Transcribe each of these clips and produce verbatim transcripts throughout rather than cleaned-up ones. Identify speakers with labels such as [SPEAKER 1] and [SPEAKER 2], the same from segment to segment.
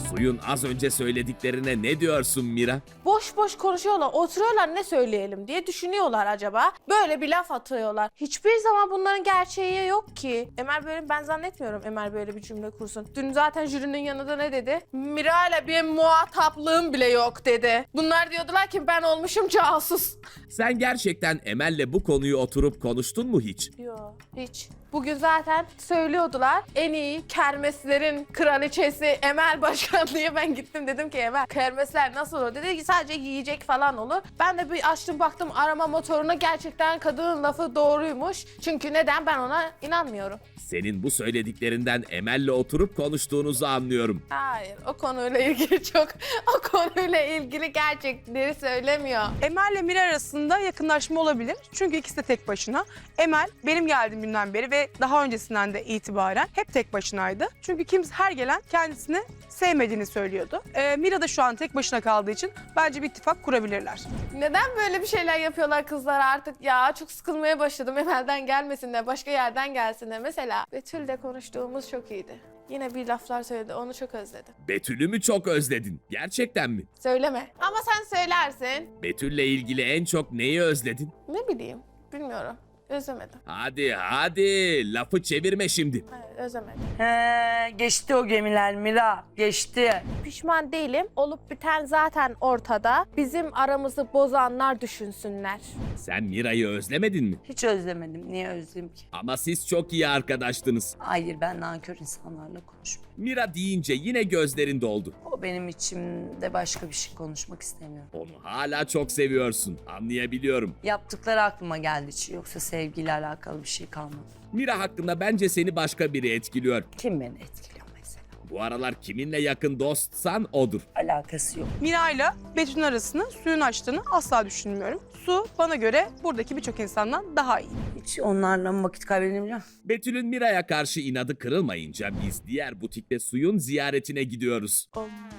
[SPEAKER 1] Suyun az önce söylediklerine ne diyorsun Mira?
[SPEAKER 2] Boş boş konuşuyorlar, oturuyorlar ne söyleyelim diye düşünüyorlar acaba. Böyle bir laf atıyorlar. Hiçbir zaman bunların gerçeği yok ki. Emel böyle, ben zannetmiyorum Emel böyle bir cümle kursun. Dün zaten jürinin yanında ne dedi? Mira ile bir muhataplığım bile yok dedi. Bunlar diyordular ki ben olmuşum casus.
[SPEAKER 1] Sen gerçekten Emel'le bu konuyu oturup konuştun mu hiç?
[SPEAKER 2] Yok hiç. Bugün zaten söylüyordular en iyi kermeslerin kraliçesi Emel Başkan diye ben gittim dedim ki Emel kermesler nasıl olur? Dedi ki sadece yiyecek falan olur. Ben de bir açtım baktım arama motoruna gerçekten kadının lafı doğruymuş. Çünkü neden ben ona inanmıyorum.
[SPEAKER 1] Senin bu söylediklerinden Emel'le oturup konuştuğunuzu anlıyorum.
[SPEAKER 2] Hayır o konuyla ilgili çok o konuyla ilgili gerçekleri söylemiyor.
[SPEAKER 3] Emel ile Mira arasında yakınlaşma olabilir. Çünkü ikisi de tek başına. Emel benim geldiğim günden beri ve daha öncesinden de itibaren hep tek başınaydı. Çünkü kimse her gelen kendisini sevmediğini söylüyordu. Ee, Mira da şu an tek başına kaldığı için bence bir ittifak kurabilirler.
[SPEAKER 2] Neden böyle bir şeyler yapıyorlar kızlar artık ya? Çok sıkılmaya başladım. Emel'den gelmesinler, başka yerden gelsinler. Mesela Betül'le konuştuğumuz çok iyiydi. Yine bir laflar söyledi, onu çok özledim.
[SPEAKER 1] Betül'ü mü çok özledin? Gerçekten mi?
[SPEAKER 2] Söyleme. Ama sen söylersin.
[SPEAKER 1] Betül'le ilgili en çok neyi özledin?
[SPEAKER 2] Ne bileyim, bilmiyorum. Özlemedim.
[SPEAKER 1] Hadi hadi lafı çevirme şimdi.
[SPEAKER 2] Hayır, özlemedim.
[SPEAKER 4] He, geçti o gemiler Mira, geçti.
[SPEAKER 2] Pişman değilim. Olup biten zaten ortada. Bizim aramızı bozanlar düşünsünler.
[SPEAKER 1] Sen Mira'yı özlemedin mi?
[SPEAKER 4] Hiç özlemedim, niye özleyeyim ki?
[SPEAKER 1] Ama siz çok iyi arkadaştınız.
[SPEAKER 4] Hayır, ben nankör insanlarla konuşmuyorum.
[SPEAKER 1] Mira deyince yine gözlerin doldu.
[SPEAKER 4] O benim içimde başka bir şey konuşmak istemiyorum.
[SPEAKER 1] Onu hala çok seviyorsun. Anlayabiliyorum.
[SPEAKER 4] Yaptıkları aklıma geldi hiç, yoksa sevgiyle alakalı bir şey kalmadı.
[SPEAKER 1] Mira hakkında bence seni başka biri etkiliyor.
[SPEAKER 4] Kim beni etkiliyor mesela?
[SPEAKER 1] Bu aralar kiminle yakın dostsan odur.
[SPEAKER 4] Alakası yok.
[SPEAKER 3] Mira ile Betül'ün arasını suyun açtığını asla düşünmüyorum. Su bana göre buradaki birçok insandan daha iyi.
[SPEAKER 4] Hiç onlarla mı vakit kaybedebiliyorum?
[SPEAKER 1] Betül'ün Mira'ya karşı inadı kırılmayınca biz diğer butikte suyun ziyaretine gidiyoruz.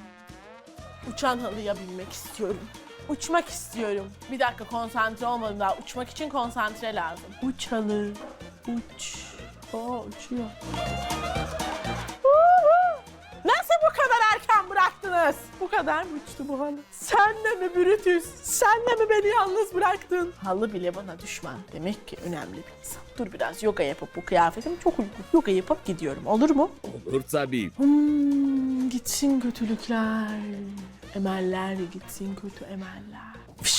[SPEAKER 5] Uçan halıya binmek istiyorum. Uçmak istiyorum. Bir dakika konsantre olmadım daha. Uçmak için konsantre lazım. Uç halı. Uç. Oo uçuyor. Nasıl bu kadar erken bıraktınız? Bu kadar mı uçtu bu halı? Sen de mi Brutus? Sen de mi beni yalnız bıraktın? Halı bile bana düşman. Demek ki önemli bir insan. Dur biraz yoga yapıp bu kıyafetim çok uygun. Yoga yapıp gidiyorum. Olur mu?
[SPEAKER 1] Olur tabii.
[SPEAKER 5] Hmm, gitsin kötülükler. Emeller gitsin kötü emeller.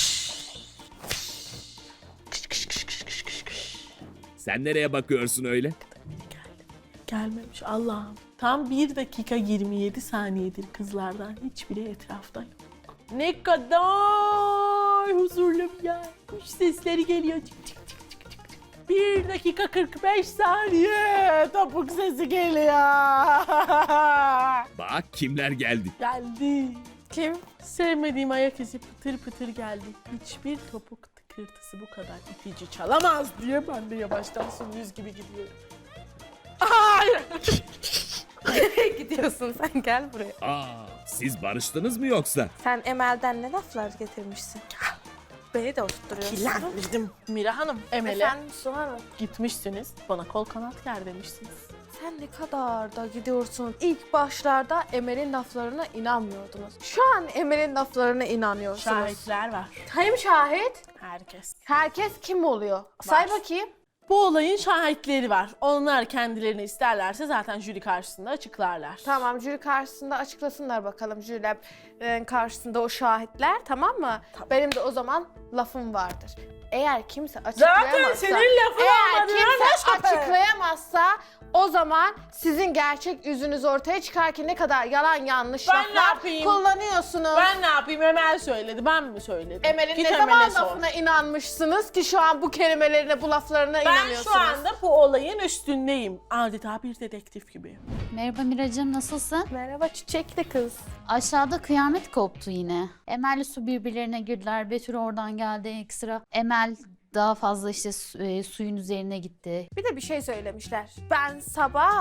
[SPEAKER 1] Sen nereye bakıyorsun öyle?
[SPEAKER 5] Gelmemiş Allah'ım. Tam bir dakika yirmi yedi saniyedir kızlardan hiçbiri etrafta yok. Ne kadar huzurlu bir yer. Kuş sesleri geliyor. Çık çık çık çık çık. çık. bir dakika kırk beş saniye. Topuk sesi geliyor.
[SPEAKER 1] Bak kimler geldi.
[SPEAKER 5] Geldi. Kim? Sevmediğim ayak izi pıtır pıtır geldi. Hiçbir topuk tıkırtısı bu kadar itici çalamaz diye ben de yavaştan sümüz gibi gidiyorum. Hayır.
[SPEAKER 2] Nereye gidiyorsun sen? Gel buraya.
[SPEAKER 1] Aa, siz barıştınız mı yoksa?
[SPEAKER 2] Sen Emel'den ne laflar getirmişsin? Beni de oturtturuyorsun.
[SPEAKER 5] Kirlendirdim. Mira Hanım, Emel'e
[SPEAKER 2] Efendim Su Hanım.
[SPEAKER 5] gitmişsiniz. Bana kol kanat ger demişsiniz.
[SPEAKER 2] Sen ne kadar da gidiyorsun. İlk başlarda Emel'in laflarına inanmıyordunuz. Şu an Emel'in laflarına inanıyorsunuz.
[SPEAKER 5] Şahitler var.
[SPEAKER 2] Kim şahit?
[SPEAKER 5] Herkes.
[SPEAKER 2] Herkes kim oluyor? Say bakayım.
[SPEAKER 5] Bu olayın şahitleri var. Onlar kendilerini isterlerse zaten jüri karşısında açıklarlar.
[SPEAKER 2] Tamam, jüri karşısında açıklasınlar bakalım jürilerin karşısında o şahitler, tamam mı? Benim de o zaman lafım vardır. Eğer kimse açıklayamazsa,
[SPEAKER 5] Zaten senin lafın
[SPEAKER 2] eğer
[SPEAKER 5] olmadı,
[SPEAKER 2] kimse
[SPEAKER 5] ne şahit?
[SPEAKER 2] açıklayamazsa o zaman sizin gerçek yüzünüz ortaya çıkar ki ne kadar yalan yanlış
[SPEAKER 5] Ben ne
[SPEAKER 2] laflar
[SPEAKER 5] yapayım?
[SPEAKER 2] kullanıyorsunuz.
[SPEAKER 5] Ben ne yapayım? Emel söyledi. Ben mi söyledim?
[SPEAKER 2] Emel'in
[SPEAKER 5] Git
[SPEAKER 2] ne
[SPEAKER 5] Emel'e
[SPEAKER 2] zaman
[SPEAKER 5] sor.
[SPEAKER 2] lafına inanmışsınız ki şu an bu kelimelerine, bu laflarına
[SPEAKER 5] Ben
[SPEAKER 2] inanıyorsunuz?
[SPEAKER 5] şu anda bu olayın üstündeyim. Adeta bir dedektif gibi.
[SPEAKER 6] Merhaba Miracığım, nasılsın?
[SPEAKER 2] Merhaba çiçekli kız.
[SPEAKER 6] Aşağıda kıyamet koptu yine. Emel'le Su birbirlerine girdiler. Betül oradan geldi ekstra. Emel daha fazla işte su- e, suyun üzerine gitti.
[SPEAKER 2] Bir de bir şey söylemişler. Ben sabah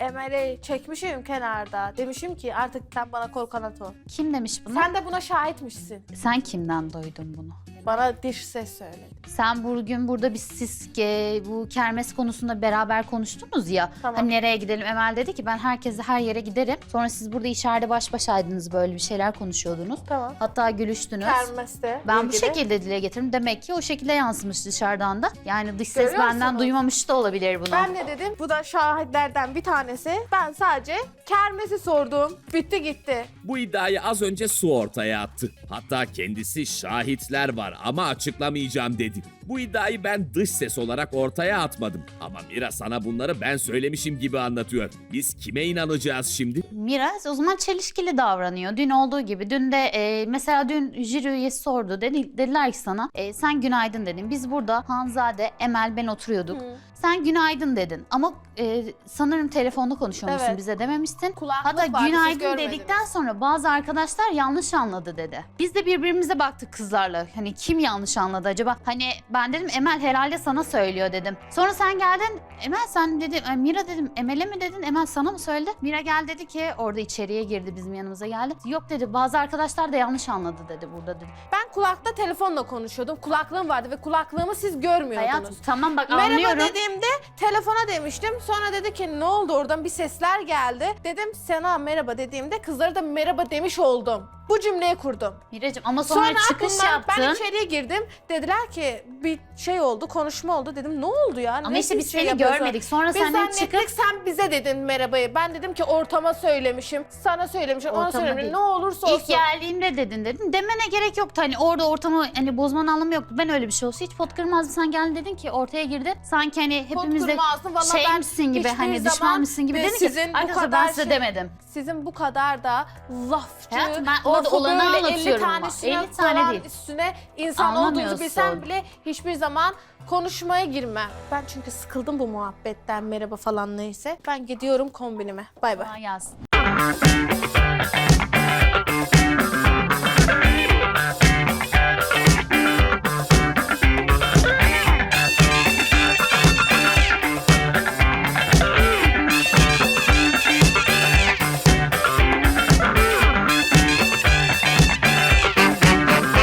[SPEAKER 2] Emel'i çekmişim kenarda. Demişim ki artık sen bana kol kanat ol.
[SPEAKER 6] Kim demiş bunu?
[SPEAKER 2] Sen de buna şahitmişsin.
[SPEAKER 6] Sen kimden duydun bunu?
[SPEAKER 2] Bana diş ses söyledi.
[SPEAKER 6] Sen bugün burada biz siz e, bu kermes konusunda beraber konuştunuz ya.
[SPEAKER 2] Tamam.
[SPEAKER 6] Hani nereye gidelim? Emel dedi ki ben herkese her yere giderim. Sonra siz burada içeride baş başaydınız, böyle bir şeyler konuşuyordunuz.
[SPEAKER 2] Tamam.
[SPEAKER 6] Hatta gülüştünüz.
[SPEAKER 2] Kermeste.
[SPEAKER 6] Ben bu
[SPEAKER 2] ilgili.
[SPEAKER 6] şekilde dile getirdim. Demek ki o şekilde yansımış dışarıdan da. Yani dış ses
[SPEAKER 2] Görüyor
[SPEAKER 6] benden
[SPEAKER 2] musunuz?
[SPEAKER 6] duymamış da olabilir bunu.
[SPEAKER 2] Ben ne dedim? Bu da şahitlerden bir tanesi. Ben sadece kermesi sordum. Bitti gitti.
[SPEAKER 1] Bu iddiayı az önce Su ortaya attı. Hatta kendisi şahitler var ama açıklamayacağım dedi. Bu iddiayı ben dış ses olarak ortaya atmadım. Ama Mira sana bunları ben söylemişim gibi anlatıyor. Biz kime inanacağız şimdi?
[SPEAKER 6] Miraz o zaman çelişkili davranıyor. Dün olduğu gibi. Dün de e, mesela dün jüri üyesi sordu. Dedi, dediler ki sana e, sen günaydın dedin. Biz burada Hanzade, Emel, ben oturuyorduk.
[SPEAKER 2] Hı.
[SPEAKER 6] Sen günaydın dedin. Ama e, sanırım telefonda konuşuyormuşsun,
[SPEAKER 2] Evet.
[SPEAKER 6] bize dememiştin.
[SPEAKER 2] Kulaklık
[SPEAKER 6] Hatta
[SPEAKER 2] vardı, siz
[SPEAKER 6] günaydın
[SPEAKER 2] görmediniz.
[SPEAKER 6] dedikten sonra bazı arkadaşlar yanlış anladı dedi. Biz de birbirimize baktık kızlarla. Hani kim yanlış anladı acaba? Hani ben dedim Emel herhalde sana söylüyor dedim. Sonra sen geldin. Emel sen dedim. e, Mira dedim. Emel'e mi dedin? Emel sana mı söyledi? Mira gel dedi ki orada içeriye girdi, bizim yanımıza geldi. Yok dedi. Bazı arkadaşlar da yanlış anladı dedi burada dedi.
[SPEAKER 2] Ben kulakta telefonla konuşuyordum. Kulaklığım vardı ve kulaklığımı siz görmüyordunuz.
[SPEAKER 6] Hayatım tamam bak
[SPEAKER 2] Merhaba
[SPEAKER 6] anlıyorum.
[SPEAKER 2] dediğimde telefona demiştim. Sonra dedi ki ne oldu, oradan bir sesler geldi. Dedim sana merhaba dediğimde kızlara da merhaba demiş oldum. Bu cümleyi kurdum.
[SPEAKER 6] Miracığım ama sonra,
[SPEAKER 2] Sonra
[SPEAKER 6] çıkış
[SPEAKER 2] bunlar-
[SPEAKER 6] yaptın.
[SPEAKER 2] ben içeriye girdim. Dediler ki bir şey oldu, konuşma oldu. Dedim ne oldu ya?
[SPEAKER 6] Ama
[SPEAKER 2] Ne
[SPEAKER 6] işte biz
[SPEAKER 2] şey
[SPEAKER 6] seni
[SPEAKER 2] yapıyorsun?
[SPEAKER 6] görmedik. Sonra
[SPEAKER 2] Biz
[SPEAKER 6] senden
[SPEAKER 2] zannettik
[SPEAKER 6] çıkıp
[SPEAKER 2] sen bize dedin merhabayı. Ben dedim ki ortama söylemişim, sana söylemişim, ona
[SPEAKER 6] Ortama
[SPEAKER 2] söylemişim.
[SPEAKER 6] değil.
[SPEAKER 2] Ne olursa olsun.
[SPEAKER 6] İlk geldiğimde dedin dedin. Demene gerek yoktu. Hani orada ortamı hani bozmanın anlamı yoktu. Ben öyle bir şey olsa hiç pot kırmazdım. Sen geldin dedin ki ortaya girdin. Sanki hani
[SPEAKER 2] Pot
[SPEAKER 6] hepimiz de
[SPEAKER 2] kırmazdım. Vallahi ben
[SPEAKER 6] şeymişsin gibi
[SPEAKER 2] hiçbir
[SPEAKER 6] hani
[SPEAKER 2] zaman
[SPEAKER 6] düşmanmışsın gibi
[SPEAKER 2] ve
[SPEAKER 6] dedin ki
[SPEAKER 2] sizin bu
[SPEAKER 6] arkadaşlar
[SPEAKER 2] kadar
[SPEAKER 6] ben size
[SPEAKER 2] şey-
[SPEAKER 6] demedim.
[SPEAKER 2] Sizin bu kadar da lafçı,
[SPEAKER 6] Hayatım, ben orada
[SPEAKER 2] lafı
[SPEAKER 6] olanı
[SPEAKER 2] böyle elli
[SPEAKER 6] anlatıyorum ama.
[SPEAKER 2] tanesine
[SPEAKER 6] elli tane
[SPEAKER 2] falan
[SPEAKER 6] değil.
[SPEAKER 2] üstüne insan olduğunuzu
[SPEAKER 6] Anlamıyorsun.
[SPEAKER 2] bilsem bile hiçbir zaman konuşmaya girmem. Ben çünkü sıkıldım bu muhabbetten, merhaba falan neyse. Ben gidiyorum kombinime. Bay bay.
[SPEAKER 6] Kolay gelsin.